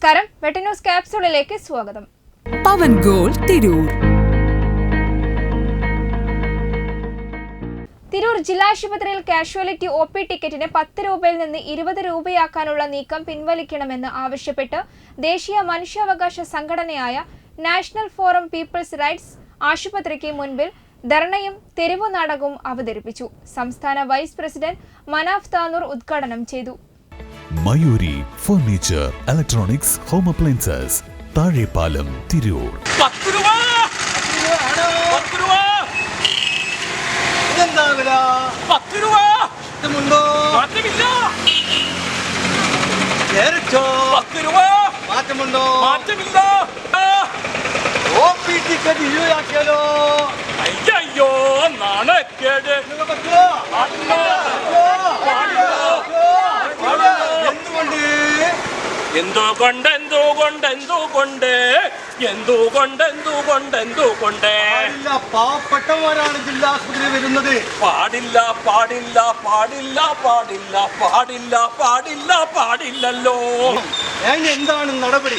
നമസ്കാരം, വെട്ട ന്യൂസ് ക്യാപ്സൂളിലേക്ക് സ്വാഗതം. പവൻ ഗോൾഡ് തിരൂർ. തിരൂർ ജില്ലാശുപത്രിയിൽ കാഷ്വാലിറ്റി ഒ.പി. ടിക്കറ്റിന് 10 രൂപയിൽ നിന്ന് 20 രൂപയാക്കാനുള്ള നീക്കം പിൻവലിക്കണമെന്ന് ആവശ്യപ്പെട്ട് ദേശീയ മനുഷ്യാവകാശ സംഘടനയായ നാഷണൽ ഫോറം പീപ്പിൾസ് റൈറ്റ്സ് ആശുപത്രിക്ക് മുൻപിൽ ധർണയും തെരുവു നാടകവും അവതരിപ്പിച്ചു. സംസ്ഥാന വൈസ് പ്രസിഡന്റ് മനാഫ് താനൂർ ഉദ്ഘാടനം ചെയ്തു. Mayuri furniture, electronics, home appliances, Thazhepalam, Tirur. 10 രൂപ. ഇതെന്താ വില? 10 രൂപ. മാറ്റമുണ്ടോ? മാറ്റമില്ല. കേരറ്റോ? 10 രൂപ. മാറ്റമുണ്ടോ? മാറ്റമില്ല. ഒ.പി. ടിക്കറ്റ് 20 ആക്കിയാലോ? അയ്യോ, നാണക്കേട്. പറ്റുമോ? എന്തുകൊണ്ട്? പാവപ്പെട്ടവരാണ് ജില്ലാ ആശുപത്രി വരുന്നത്. പാടില്ലല്ലോ. എന്താണ് നടപടി?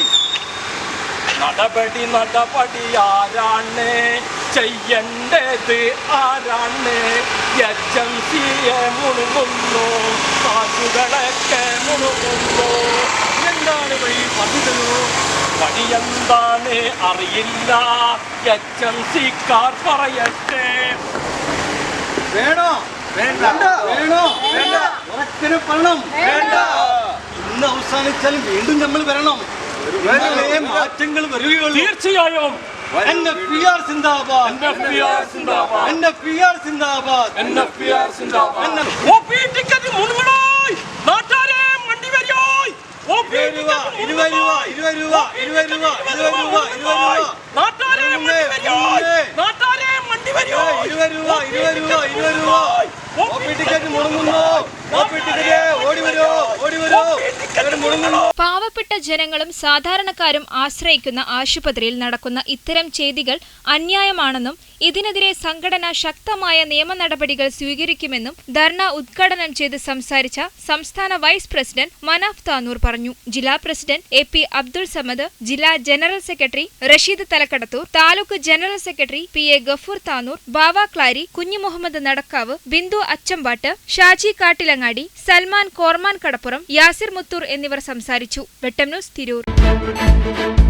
നടപടി ആരാണ് ചെയ്യേണ്ടത്? ആരാണ്? HMCയെ മുണുങ്ങുന്നു, കാശുകളൊക്കെ മുണുങ്ങുന്നു. എന്താണ് വഴി? പതിതരൂ. വഴിയെന്താണ് അറിയില്ല, HMCക്കാർ പറയട്ടെ. വേണോ? വേണോ? ഉറക്കിന് പണം വേണ്ട. ഇന്ന് അവസാനിച്ചാലും വീണ്ടും നമ്മൾ വരണം. മാറ്റങ്ങൾ വരികയുള്ളൂ. തീർച്ചയായും. NFPR സിന്ദാബാദ്. ഒ.പി. ടിക്കറ്റ് മുൻഗണനായി നാട്ടാരെ മണ്ടി വരിയോയ്. ഒ.പി. ടിക്കറ്റ് 20 രൂപ. നാട്ടാരെ മണ്ടി വരിയോയ്. ഒ.പി. ടിക്കറ്റ് മുടങ്ങുന്നു. ഒ.പി. ടിക്കറ്റ് ഓടി വരൂ. പാവപ്പെട്ട ജനങ്ങളും സാധാരണക്കാരും ആശ്രയിക്കുന്ന ആശുപത്രിയിൽ നടക്കുന്ന ഇത്തരം ചെയ്തികൾ അന്യായമാണെന്നും ഇതിനെതിരെ സംഘടന ശക്തമായ നിയമ നടപടികൾ സ്വീകരിക്കുമെന്നും ധർണ ഉദ്ഘാടനം ചെയ്ത് സംസാരിച്ച സംസ്ഥാന വൈസ് പ്രസിഡന്റ് മനാഫ് താനൂർ പറഞ്ഞു. ജില്ലാ president A P Abdul Samad, ജില്ലാ general secretary Rasheed Thalakkadathur, taluk general secretary PA Gafoor Tanur, Bava Klari, Kunju Muhammad Nadakkavu, Bindu അച്ചമ്പാട്ട്, Shaji Kattilangadi, Salman കോർമാൻ കടപ്പുറം, യാസിർ മുത്തൂർ എന്നിവർ സംസാരിച്ചു. വെട്ടം ന്യൂസ് തിരൂർ.